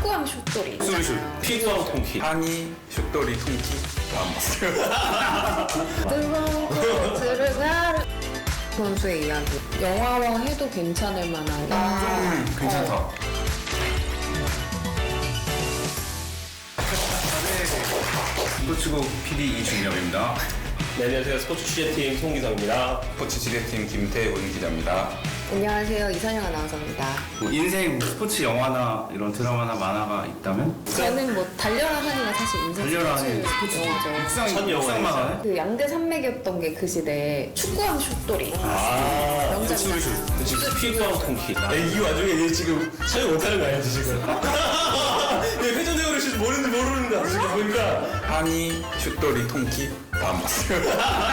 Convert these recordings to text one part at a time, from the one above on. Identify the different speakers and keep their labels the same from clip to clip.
Speaker 1: 축구왕 슛돌이.
Speaker 2: 수리슛, 피구왕 통키,
Speaker 3: 한이, 슛돌이, 통키 다 봤어요.
Speaker 1: 뜨거운 들으가 선수의 이야기. 영화왕 해도 괜찮을 만한.
Speaker 3: 괜찮다.
Speaker 2: 스포츠국 PD 이준엽입니다.
Speaker 4: 네, 안녕하세요. 스포츠 취재팀 송기성입니다.
Speaker 3: 스포츠 지대팀 김태훈 기자입니다.
Speaker 1: 안녕하세요. 이선영 아나운서입니다.
Speaker 2: 뭐 인생 스포츠 영화나 이런 드라마나 만화가 있다면?
Speaker 1: 저는 뭐 달려라 하니가 사실 인생
Speaker 2: 달려라 하니
Speaker 1: 스포츠 영화죠.
Speaker 4: 첫 영화였어요.
Speaker 2: 만화네?
Speaker 1: 그 양대 산맥이었던 게 그 시대에 축구왕 슛돌이.
Speaker 4: 아,
Speaker 1: 명작이다.
Speaker 4: 진짜 피구왕 통키. 이 와중에 얘 지금 촬영 못하는 거 아니지, 지금? 얘 회전대고를 진짜 모르는다, 지금 보니까.
Speaker 3: 한이, 슛돌이, 통키 다 봤어요.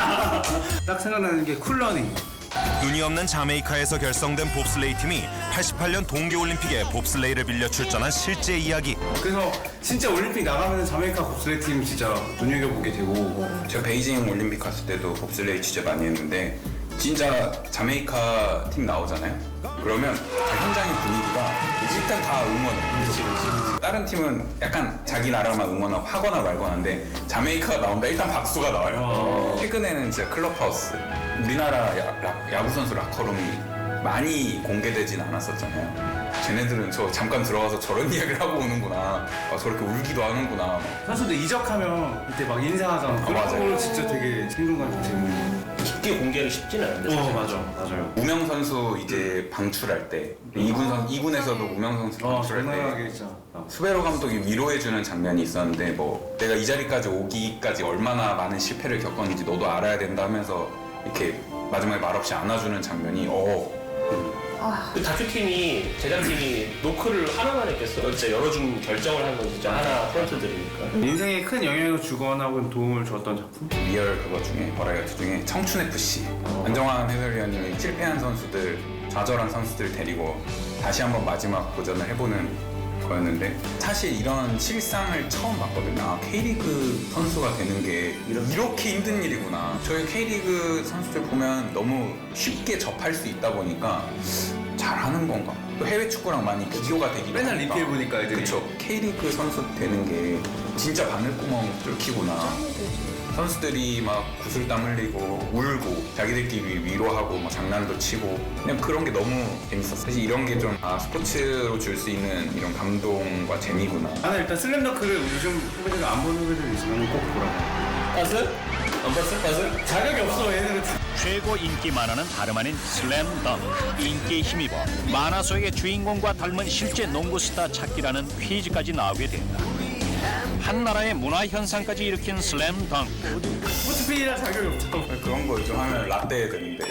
Speaker 2: 딱 생각나는 게 쿨러닝.
Speaker 5: 눈이 없는 자메이카에서 결성된 봅슬레이 팀이 88년 동계올림픽에 봅슬레이를 빌려 출전한 실제 이야기.
Speaker 2: 그래서 진짜 올림픽 나가면 자메이카 봅슬레이 팀 진짜 눈여겨보게 되고.
Speaker 3: 제가 베이징 올림픽 갔을 때도 봅슬레이 취재 많이 했는데 진짜 자메이카 팀 나오잖아요. 그러면 현장의 분위기가 일단 다 응원해. 다른 팀은 약간 자기 나라만 응원하거나 말거나인데 자메이카가 나온다 일단 박수가 나와요. 최근에는 진짜 클럽하우스, 우리나라 야구 선수 라커룸이 많이 공개되진 않았었잖아요. 쟤네들은 저 잠깐 들어가서 저런 이야기를 하고 오는구나. 저렇게 울기도 하는구나.
Speaker 2: 선수들 이적하면 그때 막 인사하잖아. 그런
Speaker 3: 맞아요.
Speaker 2: 거 진짜 되게 생동감이 좀 재밌는.
Speaker 4: 깊게 공개하기 쉽진 않은데. 사실.
Speaker 2: 맞아요.
Speaker 3: 우명 선수 이제 방출할 때 2군에서도 우명 선수 방출할 때
Speaker 2: 장난하게 진짜.
Speaker 3: 수베로 감독이 위로해주는 장면이 있었는데 뭐 내가 이 자리까지 오기까지 얼마나 많은 실패를 겪었는지 너도 알아야 된다 하면서 이렇게 마지막에 말없이 안아주는 장면이
Speaker 4: 그 다큐팀이, 제작팀이 노크를 하나만 했겠어. 진짜 열어준 결정을 한 건 진짜 하나 프런트들이니까.
Speaker 2: 인생에 큰 영향을 주거나 혹은 도움을 줬던 작품?
Speaker 3: 리얼 그거 중에 버라이어티 중에 청춘FC 안정환 해설위원님이 실패한 선수들, 좌절한 선수들 데리고 다시 한번 마지막 도전을 해보는 거였는데 사실 이런 실상을 처음 봤거든요. 아, K리그 선수가 되는 게 이렇게 힘든 일이구나. 저희 K리그 선수들 보면 너무 쉽게 접할 수 있다 보니까 잘하는 건가? 또 해외 축구랑 많이 비교가 되기도
Speaker 2: 맨날
Speaker 3: 하니까.
Speaker 2: 리필 보니까 애들이.
Speaker 3: 그쵸. K리그 선수 되는 게 진짜 바늘구멍 뚫기구나. 선수들이 막 구슬땀 흘리고 울고 자기들끼리 위로하고 막 장난도 치고 그냥 그런 게 너무 재밌었어요. 사실 이런 게 좀 스포츠로 줄 수 있는 이런 감동과 재미구나.
Speaker 2: 나는 일단 슬램덩크를 요즘 후배들이 안 보는 후배들 있으면 꼭 보라고.
Speaker 4: 봤어? 안 봤어? 봤어?
Speaker 2: 자격이 없어 얘네는.
Speaker 6: 최고 인기 만화는 다름 아닌 슬램덩크. 인기에 힘입어 만화 속의 주인공과 닮은 실제 농구 스타 찾기라는 퀴즈까지 나오게 된다. 한 나라의 문화 현상까지 일으킨 슬램덩크.
Speaker 2: 스포츠 PD라 자격이 없어.
Speaker 3: 그런 거 좀 하면 라떼 되는데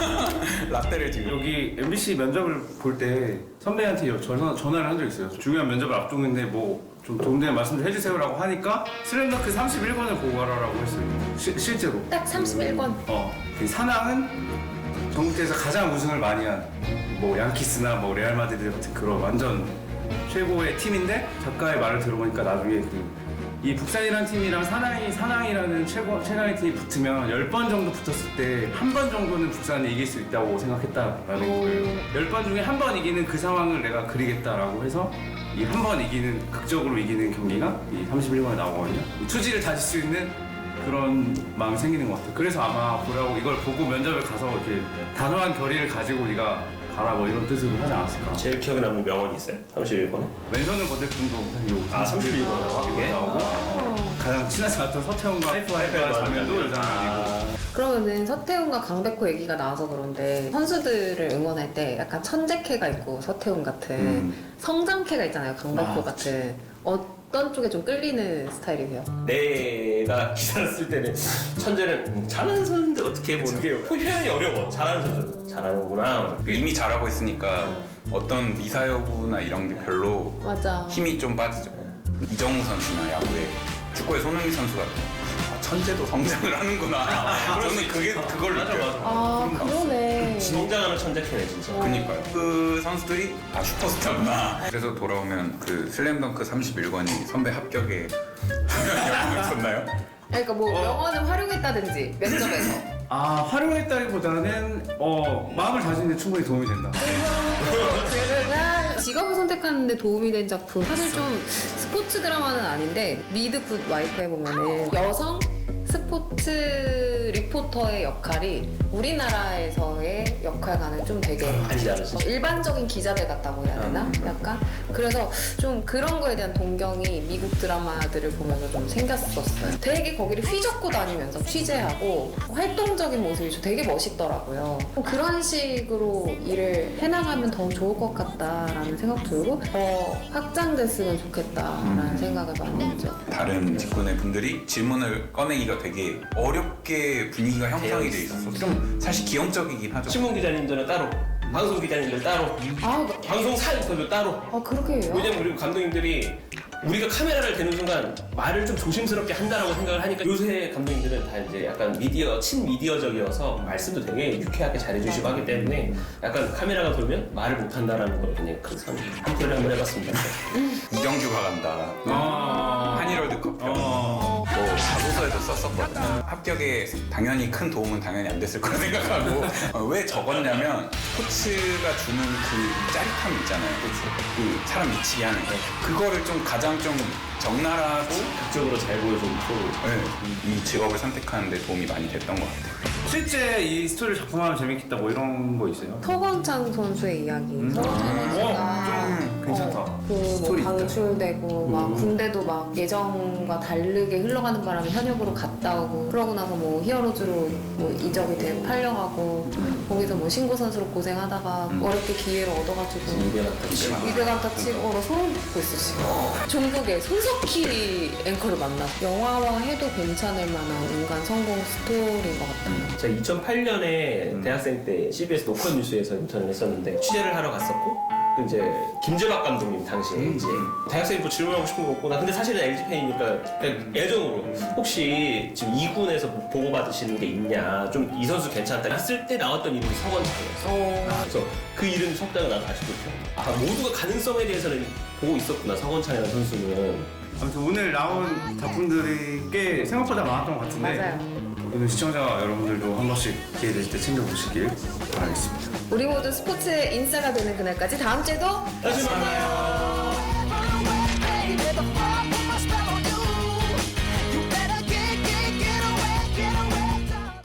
Speaker 3: 라떼를 지금
Speaker 2: 여기 MBC 면접을 볼 때 선배한테 전화를 한 적 있어요. 중요한 면접을 앞두는데 뭐 좀 도움되는 말씀을 해주세요라고 하니까 슬램덩크 31권을 보고 가라라고 했어요. 실제로.
Speaker 1: 딱 31권.
Speaker 2: 이 사낭은 전국대에서 가장 우승을 많이 한 뭐 양키스나 뭐 레알 마드리드 같은 그런 완전 최고의 팀인데 작가의 말을 들어보니까 나중에 이 북산이라는 팀이랑 사낭이라는 최강의 팀이 붙으면 10번 정도 붙었을 때 한 번 정도는 북산이 이길 수 있다고 생각했다라는 거예요. 10번 중에 한 번 이기는 그 상황을 내가 그리겠다라고 해서 이 한 번 이기는, 극적으로 이기는 경기가 이 31번에 나오거든요. 투지를 다질 수 있는 그런 마음이 생기는 것 같아요. 그래서 아마 보라고 이걸 보고 면접을 가서 이렇게 단호한 결의를 가지고 네가 가라 뭐 이런 뜻으로 하지 않았을까.
Speaker 4: 제일 기억에 남는 명언이 있어요? 31번에?
Speaker 2: 왼손을 건들 뿐도
Speaker 4: 아, 31번.
Speaker 2: 이게 나오고 가장 친하지 않던 서태웅과 하이파이브하는 장면도 여자아니고.
Speaker 1: 그러면은 서태웅과 강백호 얘기가 나와서 그런데 선수들을 응원할 때 약간 천재캐가 있고 서태웅 같은 성장캐가 있잖아요. 강백호 같은. 어떤 쪽에 좀 끌리는 스타일이세요?
Speaker 4: 내가 기사를 쓸 때는 천재는 잘하는 선수인데 어떻게 보는 게 표현이 어려워. 잘하는 선수 잘하는구나.
Speaker 3: 이미 잘하고 있으니까 어떤 미사여구나 이런 게 별로
Speaker 1: 맞아.
Speaker 3: 힘이 좀 빠지죠. 이정우 선수나 야구에 축구의 손흥민 선수가 천재도 성장을 하는구나. 저는 그걸 느껴요.
Speaker 1: 아, 그러네.
Speaker 4: 성장하는 천재캐네 진짜.
Speaker 3: 그니까요. 그 선수들이 슈퍼스타구나. 그래서 돌아오면 그 슬램덩크 31권이 선배 합격에 영향을 줬나요?
Speaker 1: 그러니까 뭐 명언을 활용했다든지 면접에서
Speaker 2: 활용했다기보다는 마음을 다지는데 충분히 도움이 된다.
Speaker 1: 직업을 선택하는데 도움이 된 작품 사실 좀 스포츠 드라마는 아닌데 미드 굿 와이프에 보면은 여성 스포츠 리포터의 역할이 우리나라에서의 역할과는 좀 되게
Speaker 4: 많이 다르지.
Speaker 1: 일반적인 기자들 같다고 해야 되나? 약간 그래서 좀 그런 거에 대한 동경이 미국 드라마들을 보면서 좀 생겼었어요. 되게 거기를 휘젓고 다니면서 취재하고 활동적인 모습이 되게 멋있더라고요. 그런 식으로 일을 해나가면 더 좋을 것 같다라는 생각 들고 더 확장됐으면 좋겠다라는 생각을 많이 했죠.
Speaker 3: 다른 직군의 분들이 질문을 꺼내기가 되게 어렵게 분위기가 형성이 돼 있어서 좀 사실 기형적이긴 하죠.
Speaker 4: 신문 기자님들은 따로, 방송 기자님들 따로, 방송 사인터도 따로.
Speaker 1: 그렇게 해요?
Speaker 4: 왜냐면 우리 감독님들이 우리가 카메라를 대는 순간 말을 좀 조심스럽게 한다라고 생각을 하니까 요새 감독님들은 다 이제 약간 친미디어적이어서 말씀도 되게 유쾌하게 잘해주시고 하기 때문에 약간 카메라가 돌면 말을 못한다라는 걸 그냥 그 한표를 한번 해봤습니다.
Speaker 3: 이경규가 간다. 한일월드컵 편. 뭐 자소서에도 썼었거든요. 합격에 당연히 큰 도움은 당연히 안 됐을 거라 생각하고 왜 적었냐면 코치가 주는 그 짜릿함 있잖아요. 그 사람 미치게 하는 거. 그거를 좀 가장 좀 적나라하고
Speaker 4: 극적으로 잘 보여준 프로.
Speaker 3: 네, 이 직업을 선택하는 데 도움이 많이 됐던 것 같아요.
Speaker 2: 실제 이 스토리를 작품하면 재밌겠다 뭐 이런 거 있어요?
Speaker 1: 서건창 선수의 이야기. 서건창 선수가
Speaker 2: 좀 괜찮다.
Speaker 1: 뭐
Speaker 2: 스토리 있다.
Speaker 1: 방출되고 막 군대도 막 예정과 다르게 흘러가는 바람에 현역으로 갔다 오고 그러고 나서 뭐 히어로즈로 뭐 이적이 되고 팔려가고 거기서 뭐 신고 선수로 고생하다가 어렵게 기회를 얻어가지고 위대감타 치고 소름 돋고 있어 지금. 종국의 손석희 앵커를 만나 영화화 해도 괜찮을 만한 인간 성공 스토리인 것 같아요.
Speaker 4: 제가 2008년에 대학생 때 CBS 노컷 뉴스에서 인턴을 했었는데 취재를 하러 갔었고 그 이제 김재박 감독님 당시에 이제 대학생이 뭐 질문하고 싶은 거 없고 나 근데 사실은 LG 팬이니까 그냥 애정으로 혹시 지금 2군에서 보고받으시는 게 있냐 좀 이 선수 괜찮다 했을 때 나왔던 이름이 서건창이었어. 그래서 그 이름 석다가 나도 아직도 있어. 모두가 가능성에 대해서는 보고 있었구나 서건창이라는 선수는.
Speaker 2: 아무튼 오늘 나온 작품들이 꽤 생각보다 많았던 것 같은데
Speaker 1: 맞아요.
Speaker 2: 오늘 시청자 여러분들도 한 번씩 기회 되실 때 챙겨보시길 바라겠습니다.
Speaker 1: 우리 모두 스포츠의 인싸가 되는 그날까지 다음 주에도
Speaker 4: 다시 만나요.